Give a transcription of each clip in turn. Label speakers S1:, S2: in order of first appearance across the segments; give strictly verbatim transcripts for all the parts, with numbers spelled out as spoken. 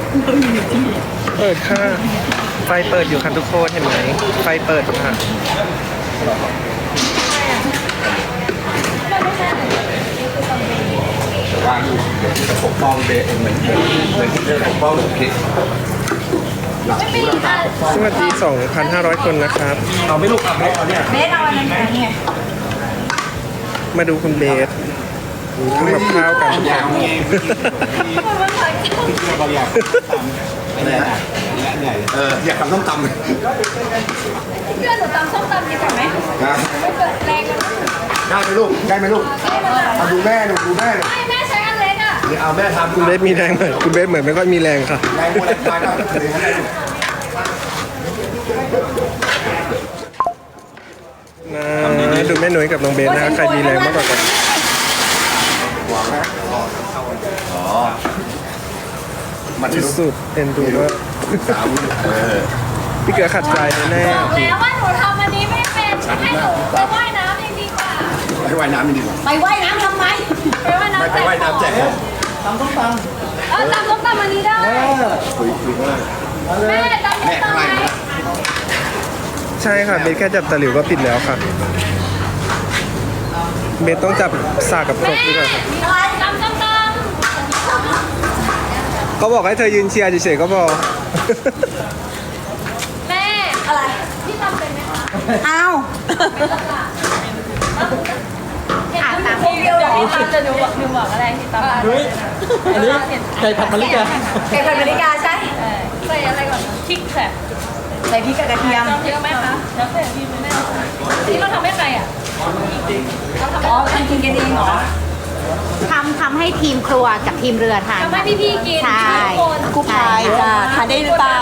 S1: เปิดค่ะไฟเปิดอยู่ค่ะทุกคนเห็นไหมไฟเปิดค่ะ
S2: วางอยู่เดี๋ยวจะปกป้องเบสเหมือนเหมือนเหมือนที่เธอปกป้องหนูคิด
S1: สวัสดี สองพันห้าร้อย คนนะครับ
S2: เราไม่ลูกกับเบสเอาเนี่ย
S3: เบสเอาอันนั้นไง
S1: มาดูคุณเบสทำกับข้าวกัน
S2: ยาวเองเราอยากทำอะไรนะเนี่ยเอออยากทำส้มตำ
S3: เพื่อนหนูตำส้มตำดีกว่าไหมไม่เปิดแรงกัน
S2: ได้ไหมลูกได้ไหมลูกเอาดูแม่หนูดูแม่หนู
S3: ไม่แม่ใช้อันเล็กอ่ะ
S2: เดี๋ยวเอาแม่ทำ
S1: คุณเบสมีแรงไหมคุณเบสเหมือนไม่ค่อยมีแรงค่ะ
S2: แรงบัวแรงควายก็เลยให้ได้ลูก
S1: นะดูแม่หนุ่ยกับน้องเบสนะใครมีแรงมากกว่ากัน
S2: หวังนะอ๋อมัน
S1: ที่สุดเอ็นดูว่า
S2: สามเออ
S1: พี่เกือขัดใจแน่
S3: บอกแล้วว่าหนูทำอันนี้ไม่เป็นให้หนูไปว่ายน้ำยังดีกว่า
S2: ไปว่ายน้ำดีกว่า
S3: ไปว่ายน้ำทำไมไปว่ายน้ำ
S2: ไม่ไปว่ายน้ำแจกของ
S3: ตำส้มตำเออตำส้มตำอันนี้ได้
S2: คุยคุยว่า
S3: แม่ตำส้
S2: แม่
S3: ม
S2: ข้าง
S3: ตำ
S2: ใน
S3: ไหม
S2: นะ
S1: ใช่ค่ะเบสแค่จับตะหลิวก็ปิดแล้วค่ะเบสต้องจับสากกับครกด้วยค่ะ
S3: อะไรตำส้มต
S1: ก็บอกให้เธอยืนเชียร์เฉยๆก็พอ
S3: ำแม่อะไรพี่ตำเป็นไหมคะอ้าวอ่านตามเดียวเหรอพี่ตำจะดูบอกดูบอกอะไรพี่ตำ
S4: เฮ้ยอันนี้ไก่ผัดมะลิกา
S3: ไก่ผัดมะลิกาใช่ใส่อะไรก่อนพริกค่ะใส่พริกกับกระเทียมเยอะไหมคะแล้วแต่พี่แม่นี่เราทำให้ใครอ่ะอ๋อทำกินกันเองเหรอ
S5: ทำทำให้ทีมครัวกับทีมเรือทาน
S3: ทำให้พี่ๆกิน
S5: ใช่
S3: ทุกคน
S5: กู้ภัยจ้ะทานได้หรือเปล่า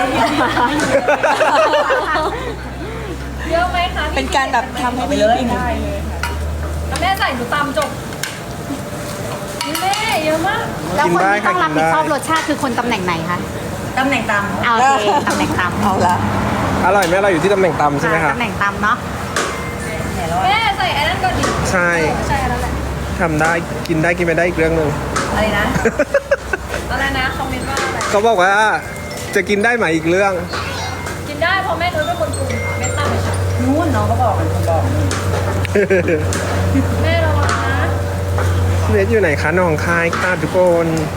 S3: เยอะไหมคะ
S5: เป็นการแบบทำให้พี่กิน
S3: ได้เลยค่ะแล้วแม่ใส่หนูตำจบนี่แม่เยอะมาก
S5: แล้วคนที่
S1: กินได้ค่ะ
S5: ต้องรับผิดชอบ
S1: กินได้
S5: รสชาติคือคนตำแหน่งไหนคะ
S3: ตำแหน่งตำ
S5: เอาโอเคตำแหน่งตำเอาละ
S1: อร่อยไหมเราอยู่ที่ตำแหน่งตำใช่ไหมคะ
S5: ตำแหน่งตำเนาะ
S3: แม่ใส่ไอ้นั่นก่อนดิ
S1: ใช่
S3: ใช่อันนั้นแหละ
S1: ทำได้กินได้กินไม่ได้อีกเรื่องหนึ่ง
S3: อะไรนะ อะไรนะคอมเมนต์ว่าอะไร
S1: เขาบอกว่าจะกินได้ไหมอีกเรื่อง
S3: กินได้เพราะแม่นุ้ยเป็นคนปรุงแม่ตั้งเลยค่ะนู้นน้องก็บอกเป็นคนบอกแม่ระวังนะ
S1: เบสอยู่ไหนคะหนองคายค่ะทุกคน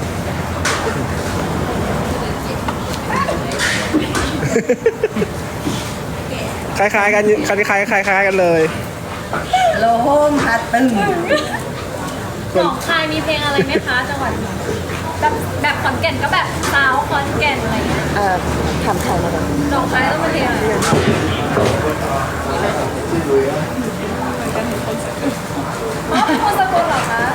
S1: คล้ายๆกันคล้ายๆคล้ายๆกันเลย
S3: โลโฮมฮัตตึงหนองคายมีเพลงอะไรไหมคะจังหวัดแบบแบบขอนแก่นก็แบบสาวขอนแก่นอะไรเงี้ย
S5: เอ่อทำไทยมาแล้ว
S3: หนองคายต้องเป็นเพลงอะไรอ๋อเป็นคนสกลเหรอคะ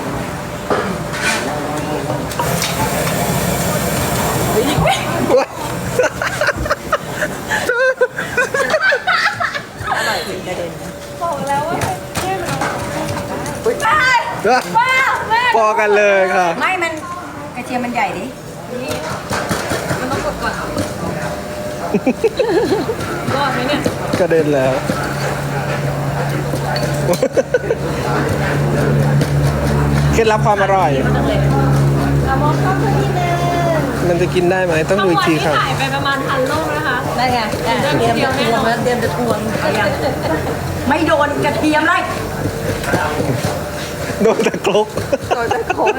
S3: บอกแล้วว่าแค่เราว้าวแม่
S1: พอกันเลยค่ะ
S3: ไม่มันกระเทียมมันใหญ่ดิมันต้องกดก่อนรอดไหมเนี่ย
S1: กระเด็นแล้ว เคล็ดลับความอร่อย
S3: เรามองเข้าไปนิดนึง
S1: มันจะกินได้ไหมต้องดูอีกทีค่ะ
S3: ถ่ายไปประมาณพันโลกนะคะได้ไงเตรียมจะทวงแล้วเตรียมจะทวงไม่โดนกระเทียมเลย
S1: โดนตะครก
S5: โดยจะโค้ง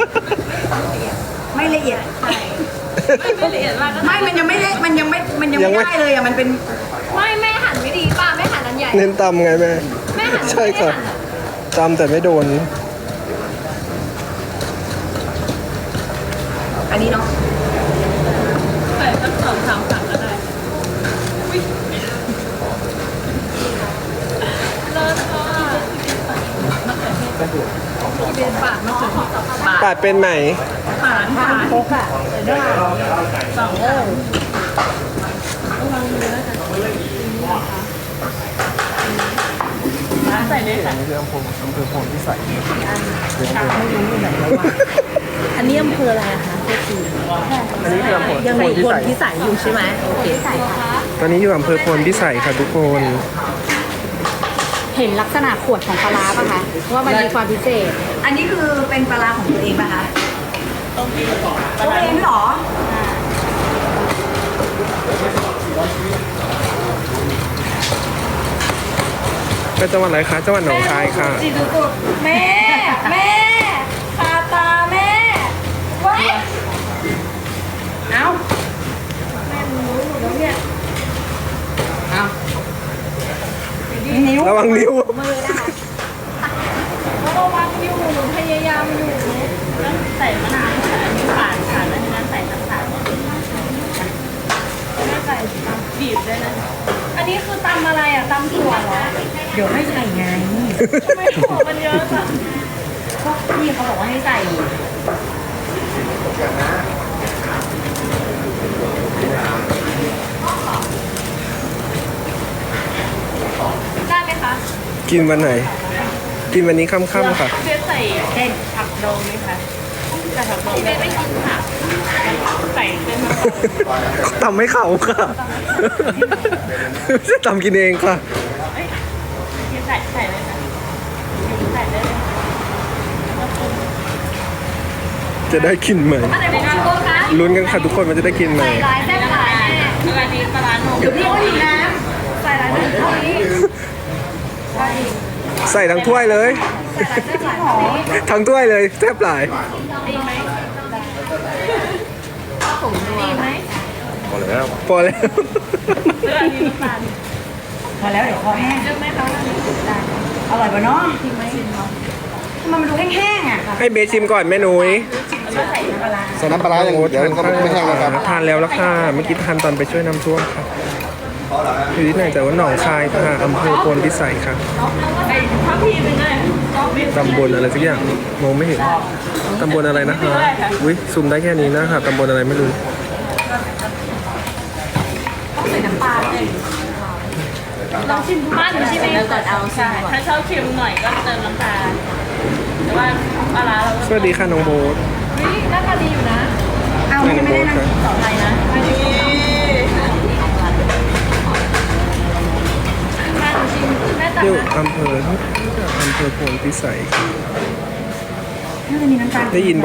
S3: ไม่ละเอียดไม่ไม่ละเอียดมากไม่มันยังไม่เละมันยังไม่มันยังไม่ได้เลยอ่ะมันเป็นไม่แม่หั่นไม่ดีป่ะแม่หั่นอันใหญ่
S1: เน้นตำไงแม่
S3: แม่หั่น
S1: ใช่ค่ะตำแต่ไม่โดน
S3: อันนี้เนาะ
S4: ใส่ตั้งสองสามถังก็ได้
S3: เลิศค่ะเป็นปากเนาะ
S1: ปาดเป็นไหม
S4: ฝานฝาน
S5: โค้กอ่ะ
S4: สองเออ ใส่เลยค่ะ
S1: นี่คืออำเภออำเภอโพนพิสัย
S4: อันนี้อำเภออะไรอะคะเพื่อที
S1: อันนี้คืออำเภอ
S4: ยัง
S1: โพ
S4: มี
S1: นพิ
S4: คน
S1: สัย
S4: พิสัยอยู่ใช่ไหมโอเค
S1: ตอนนี้อยู่อำเภอโพนพิสัยค่ะทุกคน
S5: เห็นลักษณะขวดของปลาร้าป่ะคะว่ามันมีความพิเศษ
S3: อันนี้คือเป็นปลาร้าของตัวเองป่ะคะตัวเองเหรอ
S5: ใ
S1: ไปจังหวัดอะไรคะจังหวัดหนองคายค่ะ
S3: จีสุดๆแม่แม่คาตาแม่ว้ายเอ้าแม่รู้หมดแล้วเนี่ยเอ้านิ้ว
S1: ระวังนิ้ว
S3: มือนะคะระวังอยู่หนูพยายามอยู่
S4: ต้องใส่มะนาวค่ะอันนี้ผ่านผ่านแล้วทีนั้นใส่น้ำตาล
S3: ไม่ใส่
S4: บีบด้วยนะ
S3: อันนี้คือตำอะไรอ่ะตำถั่วเหรอ เดี๋ยวไม่ใส่ไง
S4: ทำไมหัวมันเยอะจัง
S3: พวกพี่เขาบอกว่าให้ใส่ ได้ไหมคะ
S1: กินวันไหน กินวันนี้ค่ำๆค่ะ
S4: เบียร์ใส่เด่นผักดองไหมคะใส่ผักดองเบียร์ไม่กินผักใส่เป็นมะกอก
S1: ทำให้เขาค่ะไม่ใช่ทำกินเองค่ะ
S4: เอ้ยเบียร์ใส่ใส่เลยนะใส่ได้เลย
S1: จะได้กินไหม
S3: อะไรของพี่โก้คะ
S1: ลุ้นกันค่ะทุกคนมันจะได้กินไหม
S3: ใส่หลายแซ่บหลายแม่
S4: แล้วอันนี้ปลาร้าหนม
S3: เดี๋ยวพี่ก็ดีน้ำใส่หลายแซ่บหลายนี้ใส่
S1: ใส่ทั้งถ้วยเลย
S3: หลายแซ่บหลายนี้
S1: ทั้งถ้วยเลยแซ่บหลาย
S3: ดีไหมดีไหม
S1: พอแล้วพอแล้ว
S4: แล้วอันนี้น้ำตาล
S3: พอแล้วเดี๋ยวคอแห้ง
S4: เยอะไหมคะ
S3: อร่อยป่ะเนาะจริงไหมทำไมมันดูแห้งๆอ่ะ
S1: ให้เบสชิมก่อนแม่นุ้ย
S3: แล้วใส่น้ำปลาร้า
S2: ใส่น้ำปลาร้าอย่างเดียวก็ไม่แห้งแล้วครับ
S1: ทานแล้วละค่ะเมื่อกี้ทานตอนไปช่วยน้ำท่วมค่ะอยู่ที่ไหนแต่ว่าหนองคายค่ะอำเภอโพนพิสัยค่ะ
S4: ไอ้ข้าวพีเป็นไง
S1: ตำบลอะไรสักอย่างมองไม่เห็นตำบลอะไรนะคะอุ้ยซูมได้แค่นี้นะคะตำบลอะไรไม่รู้
S3: ใส่น้ำปลาเลย
S4: ลองชิมบ้านหนูชิมเองก่อนเอาใช่ถ้าชอบเค็มหน่อยก็เติมน้ำตาลแต่ว่าปลาร้าเรา
S1: สวัสดีค่ะน้องโบ๊ท
S3: เฮ้ยหน้าตาดีอยู่นะ เอา
S1: น้
S3: ไม่
S1: อง
S3: ได้
S1: โบ๊ท
S3: นะ
S1: ค่ะ
S4: ต่อไปนะอันนี้บ้านหนูชิมแม่ตัก
S1: อยู่
S4: นะ
S1: อำเภออำเภอโพนพิสัยค่ะ
S3: น่าจะมีน้ำตาล
S1: ได้ยิน